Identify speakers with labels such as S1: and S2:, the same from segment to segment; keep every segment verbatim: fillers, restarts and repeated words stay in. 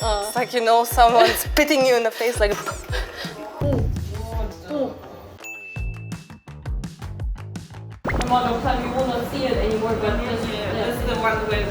S1: It's like, you know, someone spitting you in the face like.
S2: I'm on no time, you will not see it anymore, but this, yeah. This is the one with.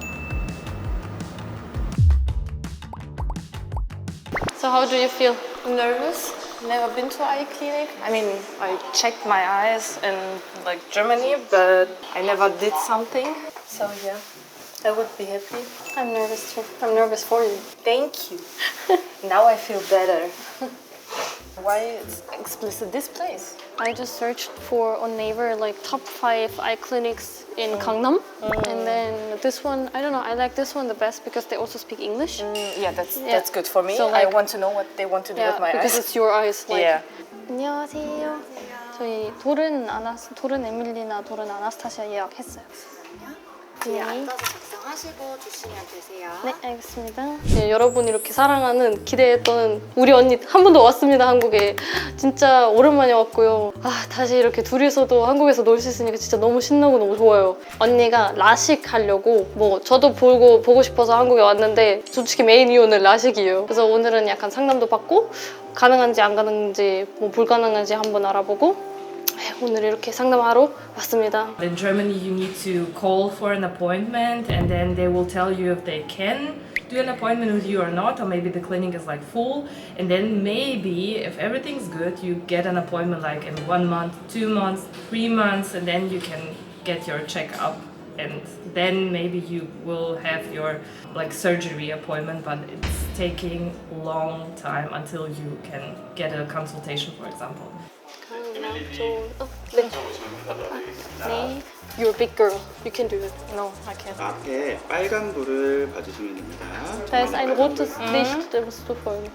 S1: So how do you feel? Nervous? Never been to eye clinic. I mean, I checked my eyes in like Germany, but I never did something. So yeah, I would be happy. I'm nervous too. I'm nervous for you. Thank you. Now I feel better. Why is explicit this place? I just searched for on Naver like top five eye clinics in mm. Gangnam, mm. and then this one, I don't know, I like this one the best because they also speak English. Mm, yeah, that's yeah. that's good for me. So, like, I want to know what they want to do yeah, with my because eyes. Because it's your eyes. Like, yeah. 안녕하세요. 저희 도른 아나스 도른 에밀리나 도른 아나스타시아 예약했어요.
S3: 뒤에 앉아서 작성하시고 주시면 되세요.
S1: 네, 알겠습니다. 네, 여러분 이렇게 사랑하는 기대했던 우리 언니 한 번 더 왔습니다, 한국에. 진짜 오랜만에 왔고요. 아, 다시 이렇게 둘이서도 한국에서 놀 수 있으니까 진짜 너무 신나고 너무 좋아요. 언니가 라식 하려고 뭐 저도 보고 보고 싶어서 한국에 왔는데 솔직히 메인 이유는 라식이에요. 그래서 오늘은 약간 상담도 받고 가능한지 안 가능한지 뭐 불가능한지 한번 알아보고 오늘 이렇게 상담하러 왔습니다.
S2: In Germany, you need to call for an appointment, and then they will tell you if they can do an appointment with you or not, or maybe the clinic is like full, and then maybe if everything's good, you get an appointment like in one month, two months, three months, and then you can get your checkup, and then maybe you will have your like surgery appointment, but it's taking a long time until you can get a consultation, for example.
S1: 어, 네. 네. You're a big girl. You can do it. No, I can't.
S4: 앞에 빨간 불을 봐주시면 됩니다.
S1: Da ist ein rotes Licht, da musst du folgen.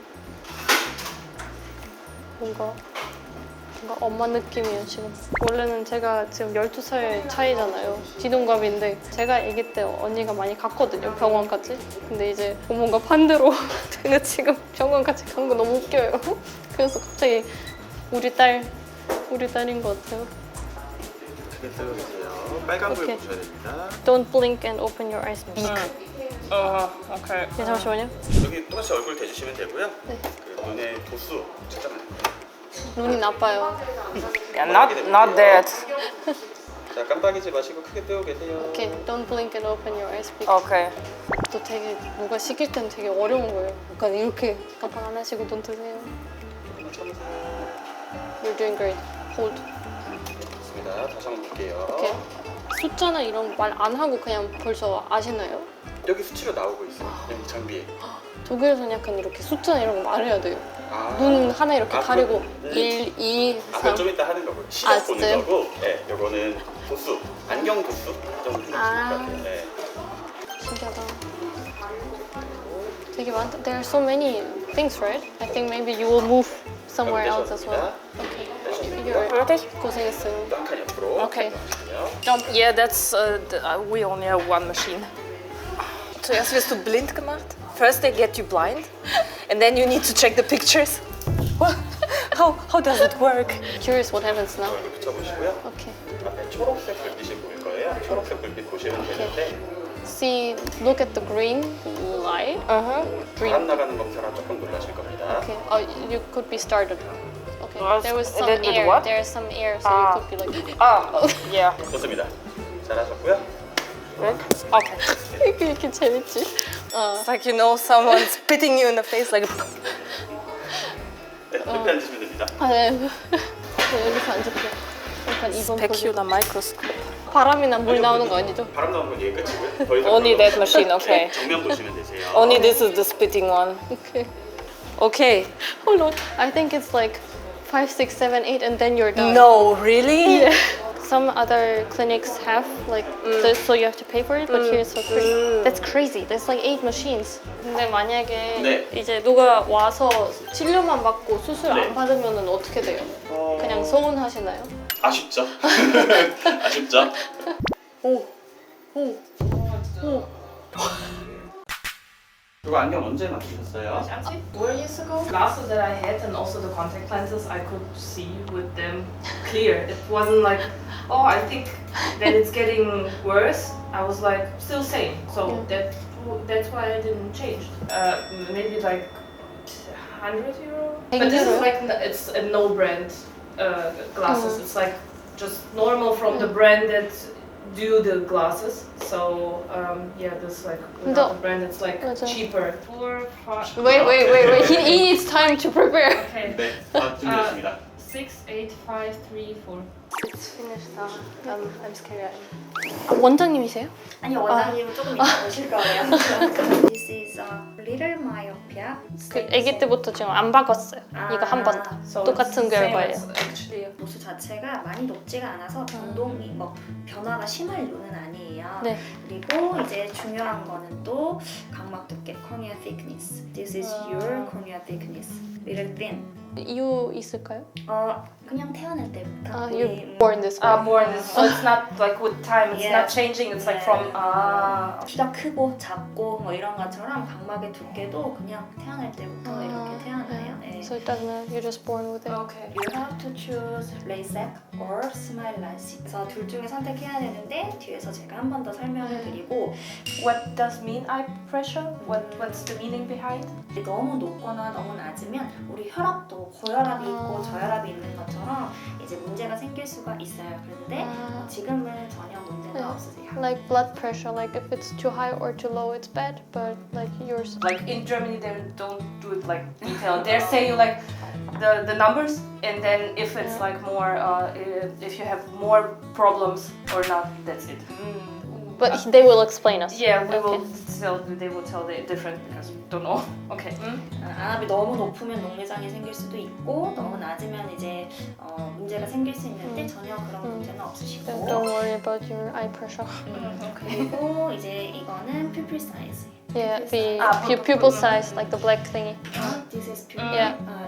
S1: 뭔가 뭔가 엄마 느낌이에요 지금. 원래는 제가 지금 열두 살 차이잖아요. 지동갑인데 제가 아기 때 언니가 많이 갔거든요, 병원까지. 근데 이제 뭔가 반대로 제가 지금 병원까지 간 거 너무 웃겨요. 그래서 갑자기 우리 딸 우리 딸인 것 같아요.
S4: 크게 뜨고 계세요. 빨간 불
S1: 오케이.
S4: 보셔야 됩니다.
S1: Don't blink and open your eyes big.
S2: Uh, okay.
S1: 네, 잠시만요.
S4: 여기 똑같이 얼굴 대주시면 되고요.
S1: 네.
S4: 그 눈의 도수 측정하는 거예요.
S1: 눈이 나빠요.
S2: Yeah, not not that.
S4: 자, 깜빡이지 마시고 크게 뜨고 계세요.
S1: 오케이. Don't blink and open your eyes big.
S2: Okay.
S1: 또 되게 뭐가 시킬 땐 되게 어려운 거예요. 약간 이렇게 깜빡 안 하시고 눈 뜨세요. You're doing great. Hold.
S4: 좋습니다. 다시 한번 볼게요.
S1: 오케이. 숫자나 이런 거 말 안 하고 그냥 벌써 아시나요?
S4: 여기 수치로 나오고 있어요. 여기 장비에.
S1: 독일에서는 약간 이렇게 숫자나 이런 거 말해야 돼요.
S4: 아.
S1: 눈 하나 이렇게
S4: 아,
S1: 가리고
S4: 그,
S1: 일, 이,
S4: 아,
S1: 삼.
S4: 좀 이따 하는 거고요. 시각
S1: 아,
S4: 보는
S1: 진짜요?
S4: 거고, 네, 요거는 도수, 안경 도수 이 정도 주면
S1: 아.
S4: 좋을 것 같아요. 네.
S1: 신기하다. 되게 많다. There are so many things, right? I think maybe you will move somewhere else as well. Okay. You're ready? 고생했어요.
S4: 또 한 칸 옆으로.
S1: Okay.
S2: Jump. Yeah, that's uh, the, uh, we only have one machine.
S1: Zuerst wirst du blind gemacht. First they get you blind, and then you need to check the pictures. What? How how does it work? Curious what happens now.
S4: 얼굴 붙여보시고요.
S1: Okay.
S4: 앞에 초록색 불빛이 보일 거예요. 초록색 불빛 보시면 되는데
S1: See, look at the green light.
S2: Uh huh.
S4: 바람 나가는 것처럼 조금 놀라실 겁니다.
S1: Okay. Oh, you could be started. Okay.
S2: Was-
S1: There was some
S2: did- did
S1: air.
S2: what?
S1: There is some air, so
S2: Ah.
S1: you could be like.
S2: Ah, yeah.
S4: 좋습니다. 잘하셨고요.
S2: Okay.
S1: 이렇게 이렇게 재밌지? It's like, you know, someone spitting you in the face like.
S4: 네, 옆에 앉으시면 됩니다.
S1: 아, 네. 네, 여기서 앉을게요. 약간 이번
S2: Specula microscope.
S1: 바람이나 물 나오는 거 아니죠?
S4: 바람 나오는 건 얘 끝이고요. 더 이상
S2: Only
S4: 그런
S2: that
S4: 거
S2: machine,
S4: 없이
S2: okay.
S4: 정면 보시면 되세요.
S2: Only this is the spitting one.
S1: Okay.
S2: Okay.
S1: Hold on. I think it's like five, six, seven, eight, and then you're done.
S2: No, really?
S1: Yeah. Some other clinics have like this, so you have to pay for it, but here it's for free. That's crazy. There's like eight machines. 근데 만약에
S4: 네.
S1: 이제 누가 와서 치료만 받고 수술
S4: 네.
S1: 안 받으면은 어떻게 돼요?
S4: 어...
S1: 그냥 서운하시나요?
S4: 아쉽죠? 아쉽죠?
S1: 오, 오, 오.
S4: 이거 안경 언제 맞추셨어요?
S1: Four years ago.
S2: Glasses that I had and also the contact lenses, I could see with them clear. It wasn't like, oh, I think that it's getting worse. I was like, still same. So
S1: Yeah.
S2: that That's why I didn't change. Uh, maybe like one hundred euro.
S1: one
S2: But this
S1: euro?
S2: is like n- it's a no brand uh, glasses.
S1: Mm.
S2: It's like just normal from the brand that do the glasses. So um, yeah, this like without
S1: No.
S2: the brand, it's like
S1: 맞아.
S2: cheaper. Four, five.
S1: Wait, wait, wait, wait. He, he needs time to prepare.
S2: Okay.
S4: 네, 다 준비됐습니다.
S2: Six, eight, five, three, four.
S1: It's finished now. Um, I'm scared. 아, 원장님이세요?
S3: 아니 원장님은 조금 이따 오실 거예요. This is a little myopia.
S1: 그 아기 때부터 지금 안 바꿨어요.
S3: 아,
S1: 이거 한 번 다.
S2: So
S1: 똑같은
S2: it's the same
S1: 결과예요.
S2: as actually.
S3: 도수 자체가 많이 높지가 않아서 변동이 뭐 변화가 심할 요는 아니에요.
S1: 네.
S3: 그리고 이제 중요한 거는 또 각막 두께, cornea thickness. This is your cornea thickness. Little thin.
S1: 이유 있을까요?
S3: 어 그냥 태어날 때부터
S1: 아,
S3: 우리,
S1: you're
S3: 음,
S1: born this way.
S2: Ah, born this. So it's not like with time. It's
S3: Yeah.
S2: not changing. It's like from ah.
S3: 키가 크고 작고 뭐 이런 것처럼 각막의 두께도 그냥 태어날 때부터
S1: 아,
S3: 이렇게 태어나요. 네.
S1: So it doesn't matter. You're just born with it.
S2: Okay.
S3: You have to choose LASIK or SMILE LASIK. 그래서 둘 중에 선택해야 되는데 뒤에서 제가 한 번 더 설명을 드리고
S2: What does mean eye pressure? What What's the meaning behind?
S3: 너무 높거나 너무 낮으면 우리 혈압도 고혈압이 있고
S1: 아.
S3: 저혈압이 있는 것처럼 이제 문제가 생길 수가 있어요. 그런데
S1: 아.
S3: 지금은 전혀 문제가
S1: 네.
S3: 없으세요.
S1: Like blood pressure, like if it's too high or too low, it's bad. But like yours,
S2: Like in Germany, they don't do it like detailed. They say you like the the numbers, and then if it's
S1: Yeah.
S2: like more, uh, if you have more problems or not, that's it.
S1: but they will explain us.
S2: Yeah, we will
S1: Okay.
S2: tell. They will tell the different because we don't know. Okay.
S3: 안압이 너무 높으면 녹내장이 생길 수도 있고 너무 낮으면 이제 어, 문제가 생길 수 있는데
S1: 음.
S3: 전혀 그런
S1: 음.
S3: 문제는 없으시고
S1: Don't, don't worry about your eye pressure.
S3: 음, 그리고 이제 이거는 pupil size.
S1: Yeah, the
S2: Ah,
S1: pu-
S2: pupil-
S1: pupil size, like the black thingy.
S3: 어, this is pupil.
S1: Yeah.
S3: 어,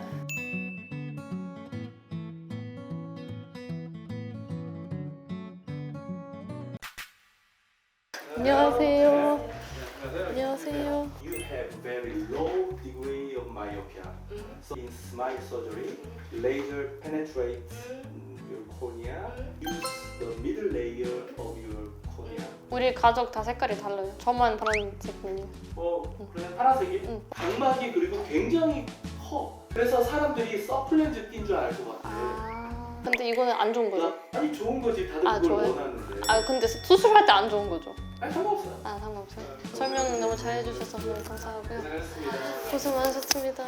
S1: 안녕하세요. 안녕하세요.
S4: You have very low degree of myopia. So in SMILE surgery, laser penetrates your cornea. Use the middle layer of your cornea.
S1: 우리 가족 다 색깔이 달라요. 저만 파란색이에요.
S4: 어, 그래 파란색이?
S1: 응.
S4: 각막이 그리고 굉장히 커. 그래서 사람들이 서플렌즈 낀 줄 알 것 같아.
S1: 아, 근데 이거는 안 좋은 거죠?
S4: 아니 좋은 거지 다들
S1: 아,
S4: 그걸
S1: 좋아요?
S4: 원하는데.
S1: 아, 근데 수술할 때 안 좋은 거죠?
S4: 아니 상관없어요.
S1: 아, 상관없어요. 설명 너무 잘해주셔서 너무 감사하고요.
S4: 고생하셨습니다.
S1: 고생 많으셨습니다.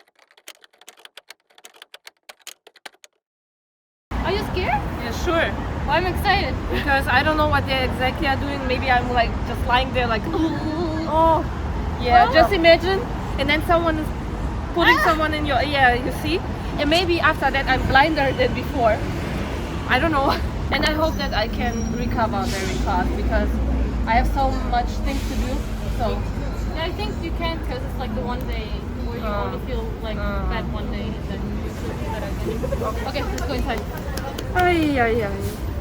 S1: Are you scared?
S2: Yeah, sure.
S1: Well, I'm excited.
S2: Because I don't know what they exactly are doing. Maybe I'm like just lying there like, oh, yeah. Just imagine, and then someone is putting someone in your yeah. You see, and maybe after that I'm blinder than before. I don't know, and I hope that I can recover very fast because I have so much things to do. So
S1: Yeah, I think you can because it's like the one day where you
S2: Uh,
S1: only feel like
S2: uh.
S1: bad one day and then you feel better again. Okay, let's go inside.
S2: ay ay ay.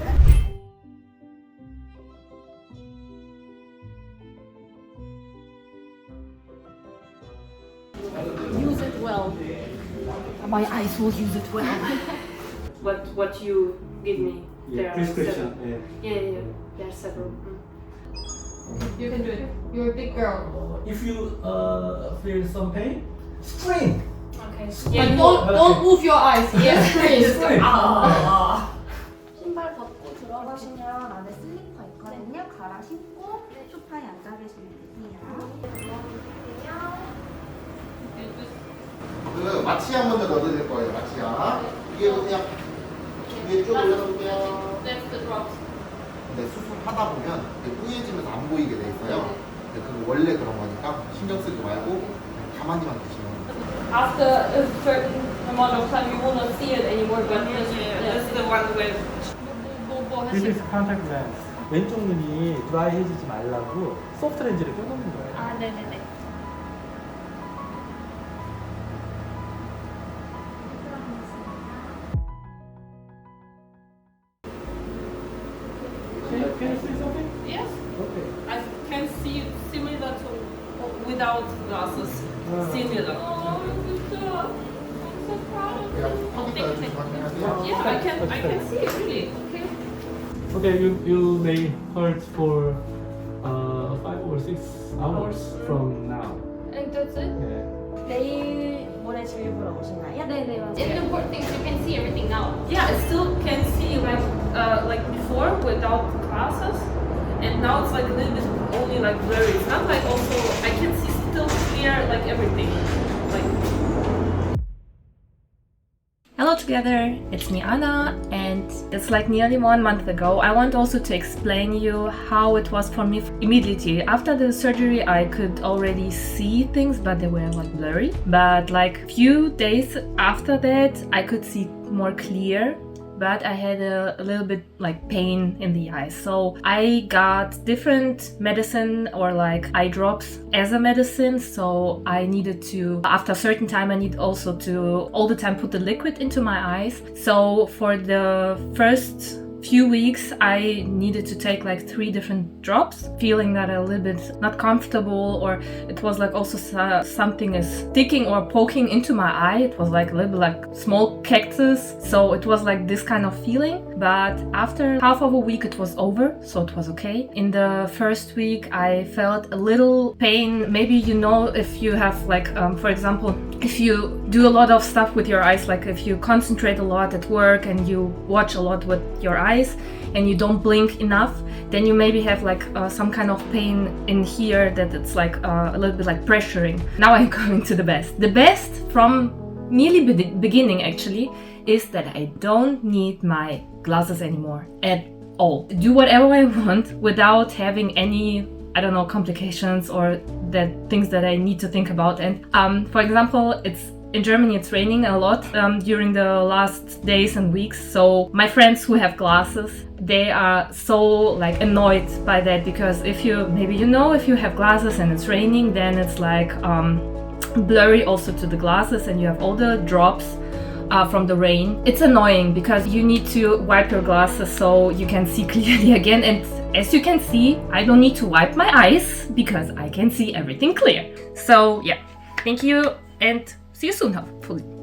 S1: Use it well.
S2: My eyes will use it well. what what you give me? There are several.
S5: yeah.
S2: Yeah, yeah, yeah. There are several. Mm.
S1: You can do it. You're a big girl.
S5: If you uh, feel some pain, scream.
S2: Okay.
S1: Like, don't don't move your eyes. Yes, please.
S6: 신발 벗고 들어가시면 안에 슬리퍼 있거든요. 갈아 신고 소파에 앉아 계시면 되세요.
S7: 그 마취약 먼저 넣어드릴 거예요. 마취약. 이게 그냥 위에 쭉 올려놓을게요.
S1: That's the drops.
S7: 근데 수술하다 보면 이게 뿌얘지면서 안 보이게 돼 있어요. 근데 그거 원래 그런 거니까 신경 쓰지 말고 그냥 가만히만 계시면.
S1: After a certain amount of time, you will not see it anymore. But
S2: Yeah, yeah, this is the one with.
S1: 뭐, 뭐
S5: This
S1: 하시?
S5: is contact lens. 왼쪽 눈이 드라이해지지 말라고 소프트 렌즈를 껴놓는 거예요.
S1: 아, 네네네.
S5: Can you, can you see something?
S2: Yes,
S5: Okay.
S2: I can see similar to without glasses.
S5: Uh,
S2: Similar.
S1: Oh, good job. I'm so proud of
S7: 그냥
S1: you.
S7: 컴퓨터에 좀 확인하세요.
S2: Yeah, I can I can see it really. Okay.
S5: Okay, you, you may hold for uh, five or six six hours from now.
S2: And that's it?
S5: Yeah.
S6: 내일 모레 진료 보러 오시나요?
S3: 네네 맞아요.
S2: And the important thing is you can see everything now. Yeah, I still can see like uh, like before without glasses, and now it's like a little bit only like blurry. It's not like also I can see still clear like everything. Like. Hello together, it's me Anna, and it's like nearly one month ago. I want also to explain you how it was for me immediately. After the surgery I could already see things, but they were like blurry. But like few days after that I could see more clear, but I had a, a little bit like pain in the eyes. So I got different medicine or like eye drops as a medicine. So I needed to, after a certain time, I need also to all the time put the liquid into my eyes. So for the first few weeks I needed to take like three different drops, feeling that a little bit not comfortable, or it was like also uh, something is sticking or poking into my eye. It was like a little bit like small cactus, so it was like this kind of feeling. But after half of a week it was over, so it was okay. In the first week I felt a little pain. Maybe you know, if you have like um, for example, if you do a lot of stuff with your eyes, like if you concentrate a lot at work and you watch a lot with your eyes and you don't blink enough, then you maybe have like uh, some kind of pain in here that it's like uh, a little bit like pressuring. Now I'm going to the best. The best from nearly be- beginning actually is that I don't need my glasses anymore at all. Do whatever I want without having any, I don't know, complications or that things that I need to think about. And um, for example, it's in Germany it's raining a lot um, during the last days and weeks. So my friends who have glasses, they are so like annoyed by that, because if you, maybe you know, if you have glasses and it's raining, then it's like um, blurry also to the glasses and you have all the drops uh, from the rain. It's annoying because you need to wipe your glasses so you can see clearly again. And as you can see, I don't need to wipe my eyes because I can see everything clear. So yeah, thank you and see you soon, hopefully.